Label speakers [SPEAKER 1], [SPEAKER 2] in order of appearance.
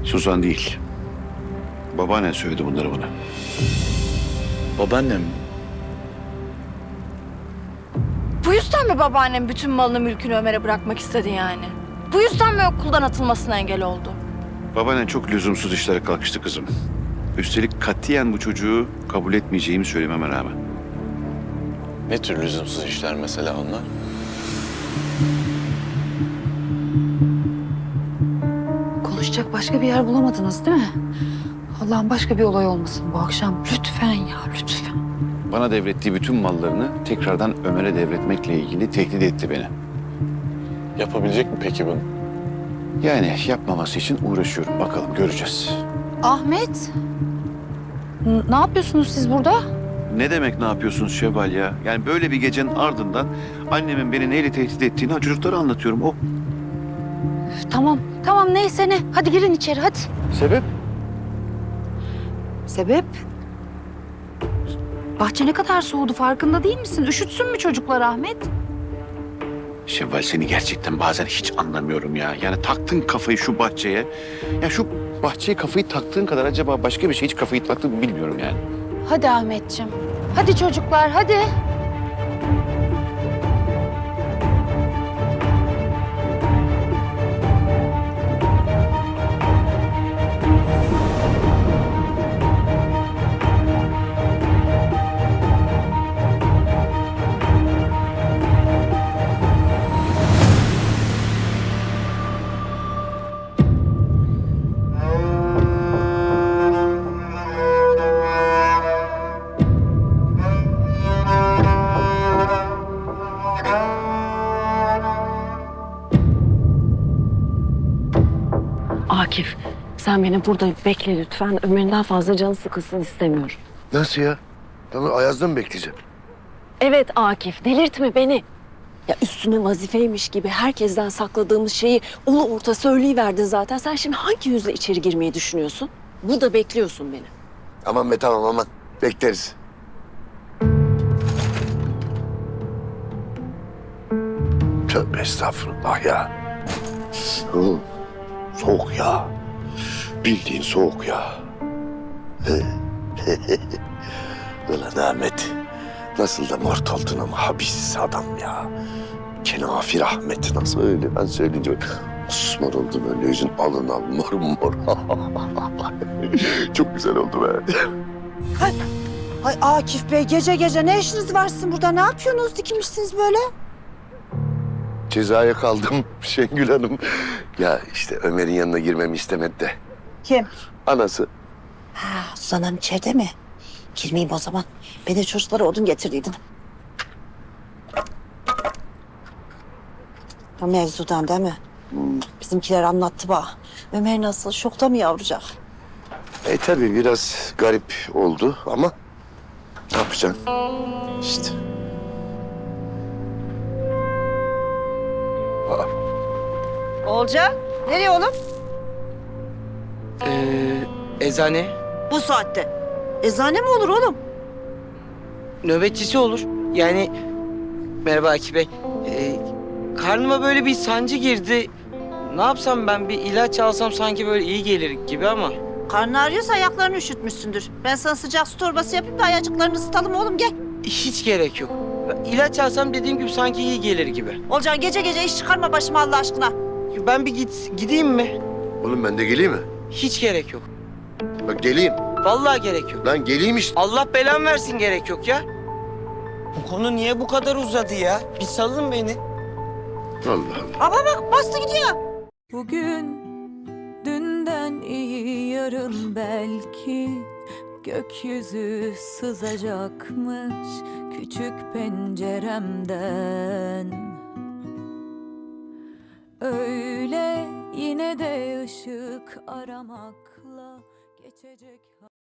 [SPEAKER 1] Suzan değil. Babaannen söyledi bunları bana.
[SPEAKER 2] Babaannem mi?
[SPEAKER 3] Bu yüzden mi babaannem bütün malını mülkünü Ömer'e bırakmak istedi yani? Bu yüzden mi okuldan atılmasına engel oldu?
[SPEAKER 1] Babaannen çok lüzumsuz işlere kalkıştı kızım. Üstelik katiyen bu çocuğu kabul etmeyeceğimi söylememe rağmen.
[SPEAKER 2] Ne tür lüzumsuz işler mesela onlar?
[SPEAKER 4] Konuşacak başka bir yer bulamadınız değil mi? Allah'ım başka bir olay olmasın bu akşam. Lütfen ya, lütfen.
[SPEAKER 1] Bana devrettiği bütün mallarını tekrardan Ömer'e devretmekle ilgili tehdit etti beni.
[SPEAKER 2] Yapabilecek mi peki bunu?
[SPEAKER 1] Yani yapmaması için uğraşıyorum. Bakalım göreceğiz.
[SPEAKER 4] Ahmet, ne yapıyorsunuz siz burada?
[SPEAKER 1] Ne demek ne yapıyorsunuz Şevval ya? Yani böyle bir gecenin ardından annemin beni neyle tehdit ettiğini çocuklara anlatıyorum. O
[SPEAKER 4] Tamam, tamam neyse ne. Hadi girin içeri hadi.
[SPEAKER 1] sebep?
[SPEAKER 4] Sebep? Bahçe ne kadar soğudu farkında değil misin? Üşütsün mü çocuklar Ahmet?
[SPEAKER 1] Şevval seni gerçekten bazen hiç anlamıyorum ya. Yani taktın kafayı şu bahçeye. Ya şu bahçeye kafayı taktığın kadar acaba başka bir şey hiç kafayı taktın mı bilmiyorum yani.
[SPEAKER 4] Hadi Ahmetciğim. Hadi çocuklar hadi.
[SPEAKER 5] Akif, sen beni burada bekle lütfen. Ömer'in daha fazla canı sıkılsın istemiyorum.
[SPEAKER 6] Nasıl ya? Ben Ayaz'da mı bekleyeceğim?
[SPEAKER 5] Evet Akif, delirtme beni. Ya üstüne vazifeymiş gibi herkesten sakladığımız şeyi ulu orta söyleyiverdin zaten. Sen şimdi hangi yüzle içeri girmeyi düşünüyorsun? Burada bekliyorsun beni.
[SPEAKER 6] Aman be tamam aman. Bekleriz. Tövbe estağfurullah ya. Oğlum, soğuk ya. Bildiğin soğuk ya. Ulan Ahmet. Nasıl da mort oldun ama habis adam ya. Kenafir Ahmet nasıl öyle ben söyleyince osmor oldum öyle yüzün alın al mor mor. Çok güzel oldu be.
[SPEAKER 7] Ay Akif Bey gece gece ne işiniz var sizin burada? Ne yapıyorsunuz dikilmişsiniz böyle?
[SPEAKER 6] Cezaya kaldım Şengül Hanım. Ya işte Ömer'in yanına girmemi istemedi de.
[SPEAKER 7] Kim?
[SPEAKER 6] Anası.
[SPEAKER 7] Ha Suzan Hanım içeride mi? Girmeyeyim o zaman. Ben de çocuklara odun getirdiydim. O mevzudan değil mi? Bizimkiler anlattı bana. Ömer nasıl? Şokta mı yavrucak?
[SPEAKER 6] Tabii biraz garip oldu ama ne yapacaksın? İşte.
[SPEAKER 7] Olca, nereye oğlum?
[SPEAKER 8] Eczane.
[SPEAKER 7] Bu saatte. Eczane mi olur oğlum?
[SPEAKER 8] Nöbetçisi olur. Yani merhaba Akif Bey. Karnıma böyle bir sancı girdi. Ne yapsam ben bir ilaç alsam sanki böyle iyi gelir gibi ama.
[SPEAKER 7] Karnın ağrıyorsa ayaklarını üşütmüşsündür. Ben sana sıcak su torbası yapayım da ayacıklarını ısıtalım oğlum gel.
[SPEAKER 8] Hiç gerek yok. İlaç alsam dediğim gibi sanki iyi gelir gibi.
[SPEAKER 7] Olcan gece gece iş çıkarma başıma Allah aşkına.
[SPEAKER 8] Ben bir gideyim mi?
[SPEAKER 6] Oğlum ben de geleyim mi?
[SPEAKER 8] Hiç gerek yok.
[SPEAKER 6] Bak geleyim.
[SPEAKER 8] Vallahi gerek yok.
[SPEAKER 6] Lan geleyim işte.
[SPEAKER 8] Allah belamı versin gerek yok ya. Bu konu niye bu kadar uzadı ya? Bir salın beni.
[SPEAKER 6] Allah Allah.
[SPEAKER 7] Ama bak bastı gidiyor.
[SPEAKER 9] Bugün dünden iyi yarın belki gökyüzü sızacakmış küçük penceremden. Öyle yine de ışık aramakla geçecek.